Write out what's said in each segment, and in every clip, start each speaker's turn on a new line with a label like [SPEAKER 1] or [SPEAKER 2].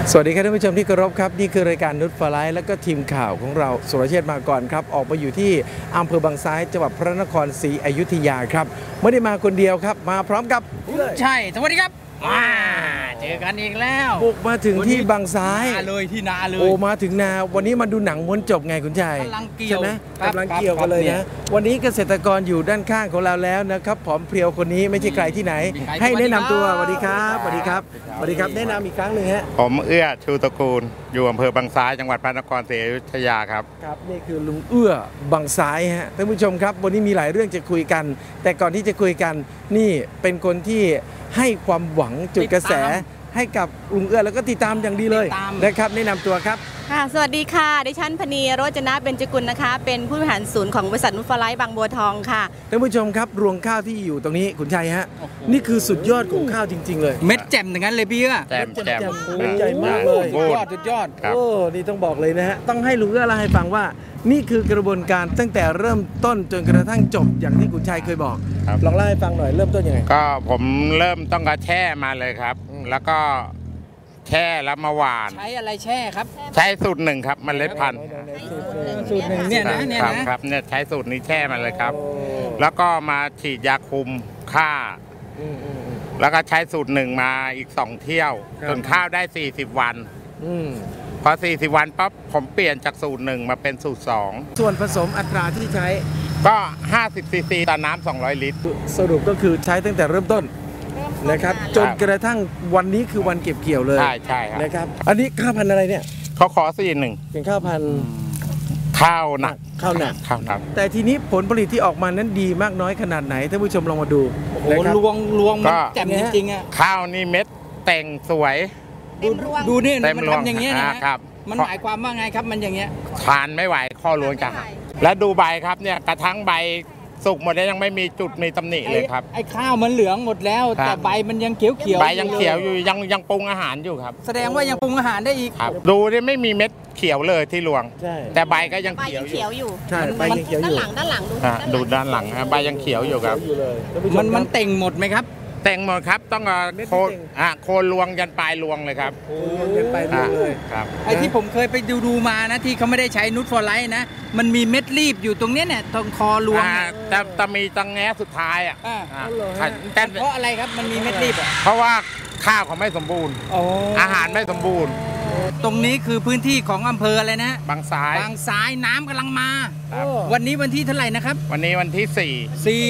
[SPEAKER 1] สวัสดีครับท่านผู้ชมที่เคารพครับนี่คือรายการนุชฟลายและก็ทีมข่าวของเราสุรเชษฐ์มาก่อนครับออกมาอยู่ที่อำเภอบางซ้ายจังหวัดพระนครศรีอยุธยาครับไม่ได้มาคนเดียวครับมาพร้อมกับ
[SPEAKER 2] ใช่สวัสดีครับเจอกันอีกแล้ว
[SPEAKER 1] บุกมาถึงที่บางซ้าย
[SPEAKER 2] เลยที่นาเลย
[SPEAKER 1] โอ้มาถึงนาวันนี้มาดูหนังม้วนจบไงคุณชัย
[SPEAKER 2] กำลังเกี่ยว
[SPEAKER 1] กำลังเกี่ยวกันเลยนะวันนี้เกษตรกรอยู่ด้านข้างของเราแล้วนะครับผอมเพรียวคนนี้ไม่ใช่ใครที่ไหนให้แนะนำตัวสวัสดีครับสวัสดีครับสวัสดีครับแนะนำอีกครั้งหนึ่งฮะ
[SPEAKER 3] ผมเอื้อชูตระกูลอยู่อำเภอบางซ้ายจังหวัดพระนครศรีอยุธยาครับ
[SPEAKER 1] ครับนี่คือลุงเอื้อบางซ้ายฮะท่านผู้ชมครับวันนี้มีหลายเรื่องจะคุยกันแต่ก่อนที่จะคุยกันนี่เป็นคนที่ให้ความหวังจุดกระแสให้กับลุงเอื้อแล้วก็ติดตามอย่างดีเลยนะครับแนะนำตัวครับ
[SPEAKER 4] ค่ะสวัสดีค่ะดิฉันพนีโรจนะเบญจกุลนะคะเป็นผู้บริหารศูนย์ของบริษัทนุชฟลายบางบัวทองค่ะ
[SPEAKER 1] ท่านผู้ชมครับรวงข้าวที่อยู่ตรงนี้คุณชัยฮะนี่คือสุดยอดของข้าวจริงๆเลย
[SPEAKER 2] เม็ดแจ่มอย่างนั้นเลยพี่เอื้อ
[SPEAKER 3] แจ่ม
[SPEAKER 1] ใหญ่มากเลย
[SPEAKER 2] สุดยอด
[SPEAKER 1] โอ้นี่ต้องบอกเลยนะฮะต้องให้ลุงเอื้อเล่าให้ฟังว่านี่คือกระบวนการตั้งแต่เริ่มต้นจนกระทั่งจบอย่างที่คุณชัยเคยบอกลองเล่าให้ฟังหน่อยเริ่มต้นยังไง
[SPEAKER 3] ก็ผมเริ่มต้องกระแช่มาเลยครับแล้วก็แช่แล้วมาหวาน
[SPEAKER 2] ใช้อะไรแช่ครับ
[SPEAKER 3] ใช้สูตรหนึ่งครับเมล็ดพันธุ์
[SPEAKER 2] สูตรหนึ่งเนี่ย
[SPEAKER 3] นะครับเนี่ยใช้สูตรนี้แช่มาเลยครับแล้วก็มาฉีดยาคุมฆ่าแล้วก็ใช้สูตรหนึ่งมาอีก2เที่ยวจนข้าวได้40วันพอ40วันปั๊บผมเปลี่ยนจากสูตรหนึ่งมาเป็นสูตร2
[SPEAKER 1] ส่วนผสมอัตราที่ใช้
[SPEAKER 3] ก็50 ซีซีต่อน้ำ200 ลิตร
[SPEAKER 1] สรุปก็คือใช้ตั้งแต่เริ่มต้นนะครับจนกระทั่งวันนี้คือวันเก็บเกี่ยวเลย
[SPEAKER 3] ใช่
[SPEAKER 1] นะครับอันนี้ข้าวพันธุ์อะไรเนี่ย
[SPEAKER 3] เขาขอ41
[SPEAKER 1] เป็นข้าวพันธุ์
[SPEAKER 3] ข้าวหนัก
[SPEAKER 1] แต่ทีนี้ผลผลิตที่ออกมานั้นดีมากน้อยขนาดไหนท่านผู้ชมลองมาดู
[SPEAKER 2] โอ้ลวงมันแจ่มจริงๆอ่ะ
[SPEAKER 3] ข้าวนี่เม็ดแต่งสวย
[SPEAKER 2] ดูนี่มันทำอย่างเงี้ยนะครับมันหมายความว่าไงครับมันอย่างเงี้ย
[SPEAKER 3] ทานไม่ไหวข้อล้วนกันและดูใบครับเนี่ยกระทั่งใบสุกหมดแล้วยังไม่มีจุดมีตำหนิเลยครับ
[SPEAKER 2] ไอ้ข้าวมันเหลืองหมดแล้วแต่ใบมันยังเขียว
[SPEAKER 3] ใบยังเขียวอยู่ยังปรุงอาหารอยู่ครับ
[SPEAKER 2] แสดงว่ายังปรุงอาหารได้อีก
[SPEAKER 3] ดูนี่ไม่มีเม็ดเขียวเลยที่รวงแต่ใบก็ยังเขียว
[SPEAKER 4] อยู่
[SPEAKER 1] ใช่ใบยังเขียวอยู่
[SPEAKER 4] ด้านหลัง
[SPEAKER 3] ดูด้านหลังใบยังเขียวอยู่ครับ
[SPEAKER 2] มันเต่งหมดไหมครับ
[SPEAKER 3] แต่งหมดครับต้องโคนรวงยันปลายรวงเลยครับ
[SPEAKER 1] ยันปลายรวงเลย
[SPEAKER 2] ครับไอ้ที่ผมเคยไปดูมานะที่เขาไม่ได้ใช้นูตฟอร์ไลท์นะมันมีเม็ดรีบอยู่ตรงนี้เนี่ยตรงคอรวง
[SPEAKER 3] แต่มีตังแง่สุดท้าย
[SPEAKER 2] แต่เพราะอะไรครับมันมีเม็ดรีบ
[SPEAKER 3] เพราะว่าข้าวเขาไม่สมบูรณ์อาหารไม่สมบูรณ์
[SPEAKER 2] ตรงนี้คือพื้นที่ของอำเภออะไรนะ
[SPEAKER 3] บางซ้
[SPEAKER 2] ายน้ำกำลังมาวันนี้วันที่เท่าไหร่นะครับ
[SPEAKER 3] วันนี้วันที่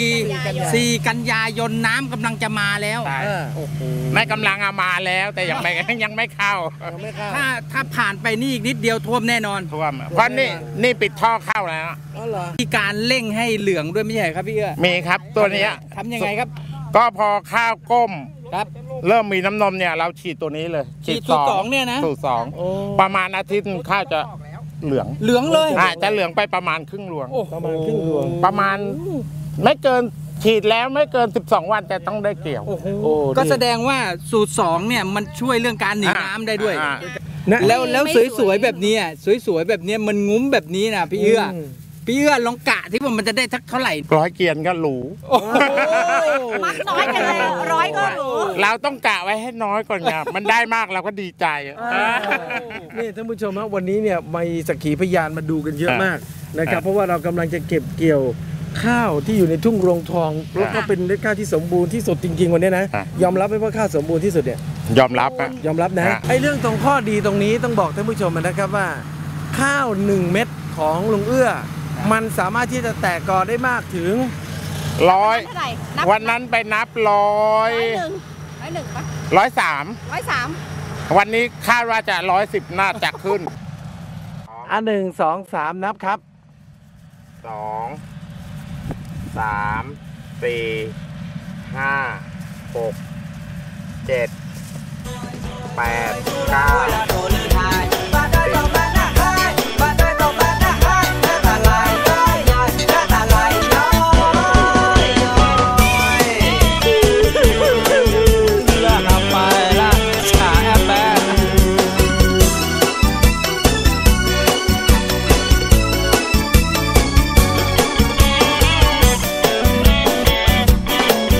[SPEAKER 2] 4 กันยายนน้ำกำลังจะมาแล้ว
[SPEAKER 3] ไม่กำลังมาแล้วแต่ยังไม่เข้า
[SPEAKER 2] ถ้าผ่านไปนี่อีกนิดเดียวท่วมแน่นอน
[SPEAKER 3] ท่วมเพราะนี่ปิดท่อเข้าแล้ว
[SPEAKER 2] มีการเร่งให้เหลืองด้วยไม่ใช่ครับพี่เอื้อ
[SPEAKER 3] มีครับตัวนี้
[SPEAKER 2] ทำยังไงครับ
[SPEAKER 3] ก็พอข้าวก้มเริ่มมีน้ำนมเนี่ยเราฉีดตัวนี้เลย
[SPEAKER 2] ฉีดสูตร2เนี่ยนะ
[SPEAKER 3] สูตร2ประมาณอาทิตย์ข้าวจะเหลือง
[SPEAKER 2] เลย
[SPEAKER 3] จะเหลืองไปประมาณครึ่งรวงประมาณไม่เกินฉีดแล้วไม่เกิน12วันแต่ต้องได้เกี่ยว
[SPEAKER 2] ก็แสดงว่าสูตร2เนี่ยมันช่วยเรื่องการหนีน้ำได้ด้วยแล้วสวยๆแบบนี้สวยๆแบบนี้มันงุ้มแบบนี้นะพี่เอื้อลองกะที่ว่ามันจะได้ทักเท่าไหร่
[SPEAKER 3] 100 เกียนก็หรู
[SPEAKER 4] มัดน้อยกันเลย100ก็หรู
[SPEAKER 3] เราต้องกะไว้ให้น้อยก่อนไงมันได้มากเราก็ดีใจ
[SPEAKER 1] นี่ท่านผู้ชมครับวันนี้เนี่ยมีสักขีพยานมาดูกันเยอะมากนะครับเพราะว่าเรากำลังจะเก็บเกี่ยวข้าวที่อยู่ในทุ่งรวงทองแล้วก็เป็นเม็ดข้าวที่สมบูรณ์ที่สุดจริงๆวันนี้นะยอมรับไหมว่าข้าวสมบูรณ์ที่สุดเนี่ย
[SPEAKER 3] ยอมรับ
[SPEAKER 1] นะไอ้เรื่องตรงข้อดีตรงนี้ต้องบอกท่านผู้ชมนะครับว่าข้าว1 เม็ดของลุงเอื้อมันสามารถที่จะแตกกอได้มากถึง
[SPEAKER 3] 100วันนั้นไปนับ103วันนี้คาดว่าจะ110น่าจะขึ้น
[SPEAKER 1] 1 2 3นับครับ
[SPEAKER 3] 2 3 4 5 6 7 8 9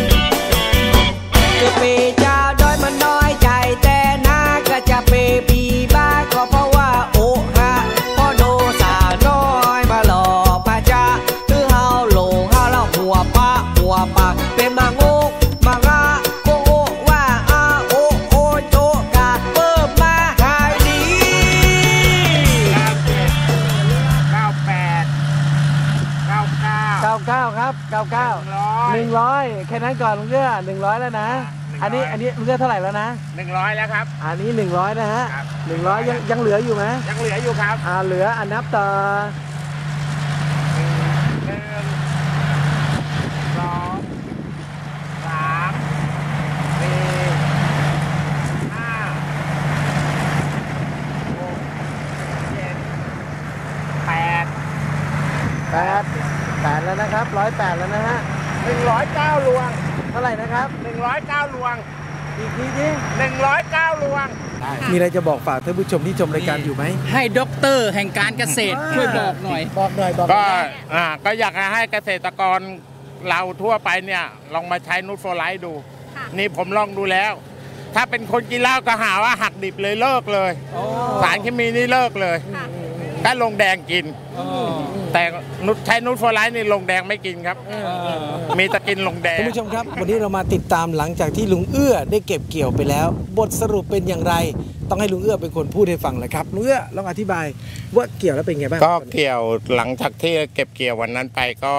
[SPEAKER 5] จะเปย์เจ้าโดยมันน้อยใจแต่นาก็จะเปย์
[SPEAKER 1] แค่นั้นก่อนลุงเอื้อ100แล้วนะอันนี้ลุงเอื้อเท่าไหร่แล้วนะ
[SPEAKER 3] 100แล้วครับ
[SPEAKER 1] อันนี้100นะฮะ
[SPEAKER 3] ครับ
[SPEAKER 1] 100ยังเหลืออยู่ไหม
[SPEAKER 3] ยังเหลืออยู่ครับ
[SPEAKER 1] เหลือนับต่อ8แล้วนะครับ108แล้วนะฮะ
[SPEAKER 3] 109 ลวง
[SPEAKER 1] เท่าไหร่นะครับ
[SPEAKER 3] 109 ลวง
[SPEAKER 1] อีกทีดิ
[SPEAKER 3] 109 ลวง
[SPEAKER 1] มีอะไรจะบอกฝากท่านผู้ชมที่ชมรายการอยู่ไหม
[SPEAKER 2] ให้ด็อกเตอร์แห่งการเกษตรช่วยบอกหน่อย
[SPEAKER 3] ก็อยากให้เกษตรกรเราทั่วไปเนี่ยลองมาใช้นูตโฟไลท์ดูนี่ผมลองดูแล้วถ้าเป็นคนกินเหล้าก็หาว่าหักดิบเลยเลิกเลยสารเคมีนี่เลิกเลยก็ลงแดงกินแต่ใช้นูตโฟไลท์นี่ลงแดงไม่กินครับมีตะกินลงแดง
[SPEAKER 1] ท่านผู้ชมครับวันนี้เรามาติดตามหลังจากที่ลุงเอื้อได้เก็บเกี่ยวไปแล้วบทสรุปเป็นอย่างไรต้องให้ลุงเอื้อเป็นคนพูดให้ฟังเลยครับลุงเอื้อลองอธิบายว่าเกี่ยวแล้วเป็นไงบ้าง
[SPEAKER 3] ก็เกี่ยวหลังจากที่เก็บเกี่ยววันนั้นไปก็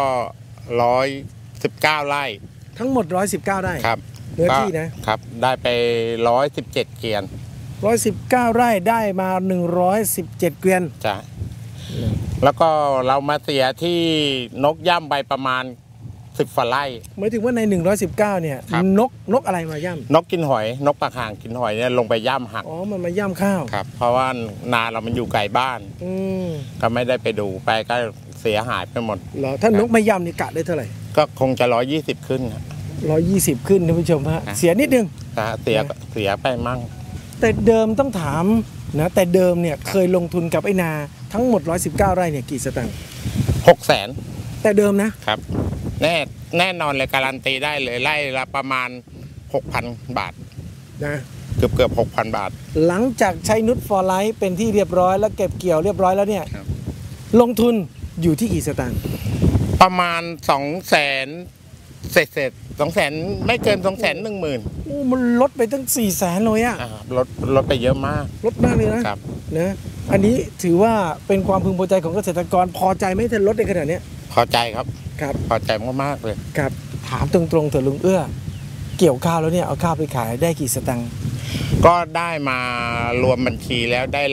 [SPEAKER 3] 119 ไร่
[SPEAKER 1] ทั้งหมด119 ไร่
[SPEAKER 3] ครับ
[SPEAKER 1] เนื้อที่นะครับ
[SPEAKER 3] ได้ไป117 เกวียน
[SPEAKER 1] 119 ไร่ได้มา117 เกวียน
[SPEAKER 3] จ้ะแล้วก็เรามาเสียที่นกย่ำไปประมาณ10 ฝ่าไร่
[SPEAKER 1] หมายถึงว่าใน119เนี่ยนกอะไรมาย่ำ
[SPEAKER 3] นกกินหอยนกปลาห่างกินหอยเนี่ยลงไปย่ำหัก
[SPEAKER 1] มันมาย่ำข้าว
[SPEAKER 3] ครับเพราะว่านาเรามันอยู่ไกลบ้านก็ไม่ได้ไปดูไปก็เสียหายไปหมด
[SPEAKER 1] เหรอถ้านกไม่ย่ำนี่กะได้เท่าไหร่
[SPEAKER 3] ก็คงจะ120 ขึ้น
[SPEAKER 1] 120 ขึ้นท่านผู้ชมฮะเสียนิดนึง
[SPEAKER 3] เสียไปมั่ง
[SPEAKER 1] แต่เดิมต้องถามนะแต่เดิมเนี่ยเคยลงทุนกับไอ้นาทั้งหมด119 ไร่เนี่ยกี่สตางค์
[SPEAKER 3] 600,000
[SPEAKER 1] แต่เดิมนะครับ
[SPEAKER 3] แน่นอนเลยการันตีได้เลยไร่ละประมาณ 6,000 บาท
[SPEAKER 1] นะ
[SPEAKER 3] เกือบ 6,000 บาท
[SPEAKER 1] หลังจากใช้นูตโฟไลท์เป็นที่เรียบร้อยแล้วเก็บเกี่ยวเรียบร้อยแล้วเนี่ยลงทุนอยู่ที่กี่สตางค์
[SPEAKER 3] ประมาณ200,000เศษ200,000ไม่เกิน210,000
[SPEAKER 1] โอ้มันลดไปตั้ง400,000เลยอ่ะ
[SPEAKER 3] ลดไปเยอะมาก
[SPEAKER 1] ลดมากเลยนะครับนะอันนี้ถือว่าเป็นความพึงพอใจของเกษตรกรพอใจไหมถ้าลดในขนาดนี้
[SPEAKER 3] พอใจครับพอใจมากเลย
[SPEAKER 1] ครับถามตรงๆเถอะลุงเอื้อเกี่ยวข้าวแล้วเนี่ยเอาข้าวไปขายได้กี่สตังค์
[SPEAKER 3] ก็ได้มารวมบัญชีแล้วได้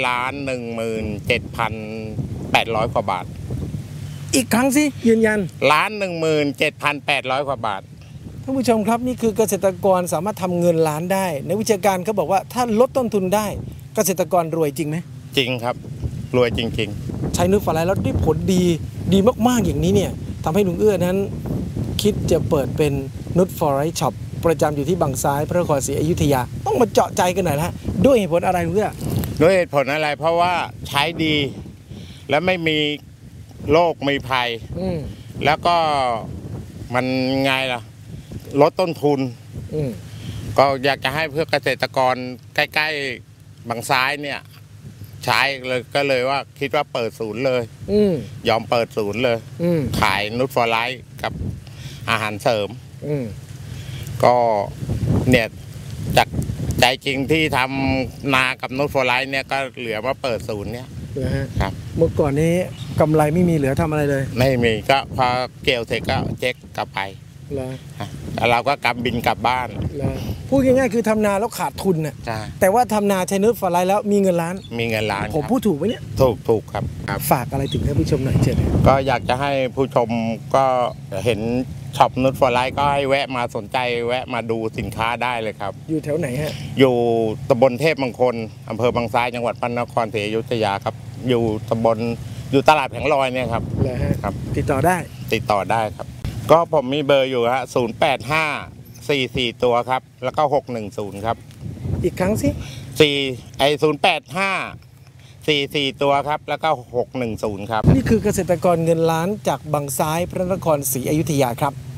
[SPEAKER 3] 117,800 กว่าบาท
[SPEAKER 1] อีกครั้งสิยืนยัน
[SPEAKER 3] 117,800 กว่าบาท
[SPEAKER 1] ท่านผู้ชมครับนี่คือเกษตรกรสามารถทำเงินล้านได้ในวิชาการเขาบอกว่าถ้าลดต้นทุนได้เกษตรกรรวยจริงไหม
[SPEAKER 3] จริงครับรวยจริง
[SPEAKER 1] ๆใช้นูตโฟไลท์แล้วได้ผลดีมากๆอย่างนี้เนี่ยทำให้ลุงเอื้อนั้นคิดจะเปิดเป็นนูตโฟไลท์ช็อปประจำอยู่ที่บางซ้ายพระนครศรีอยุธยาต้องมาเจาะใจกันหน่อยละด้วยเหตุผลอะไรลุงเอื้อ
[SPEAKER 3] ด้วยเหตุผลอะไรเพราะว่าใช้ดีและไม่มีโรคมีภัยแล้วก็มันไงล่ะลดต้นทุนก็อยากจะให้เพื่อเกษตรกรใกล้ๆบางซ้ายเนี่ยใช้เลยก็เลยว่าคิดว่าเปิดศูนย์เลยยอมเปิดศูนย์เลยขายนูตโฟไลท์กับอาหารเสริมก็เนี่ยจากใจจริงที่ทำนากับนูตโฟไลท์เนี่ยก็เหลือมาเปิดศูนย์เนี่ย
[SPEAKER 1] ครับเมื่อก่อนนี้กำไรไม่มีเหลือทำอะไรเลย
[SPEAKER 3] ไม่มีก็พอเกี่ยวเสร็จก็เจ๊กกลับไปแล้วเราก็กำบินกลับบ้าน
[SPEAKER 1] พูดง่ายๆคือทำนาแล้วขาดทุนน่ะแต่ว่าทำนาใช้นูตโฟไลท์แล้วมีเงินล้านผมพูดถูกไหมเนี่ย
[SPEAKER 3] ถูกครับ
[SPEAKER 1] ฝากอะไรถึงท่านผู้ชมหน่อยเชิญ
[SPEAKER 3] ก็อยากจะให้ผู้ชมก็เห็นช็อปนูตโฟไลท์ก็ให้แวะมาสนใจแวะมาดูสินค้าได้เลยครับ
[SPEAKER 1] อยู่แถวไหนฮะ
[SPEAKER 3] อยู่ตำบลเทพมงคลอำเภอบางซ้ายจังหวัดพระนครศรีอยุธยาครับอยู่ตลาดแผงลอยเนี่ยครับ
[SPEAKER 1] ครับติดต่อได้
[SPEAKER 3] ครับก็ผมมีเบอร์อยู่ฮะ08544ตัวครับแล้วก็610ครับ
[SPEAKER 1] อีกครั้งสิ
[SPEAKER 3] 08544ตัวครับแล้วก็610ครับ
[SPEAKER 1] นี่คือเกษตรกรเงินล้านจากบางซ้ายพระนครศรีอยุธยาครับ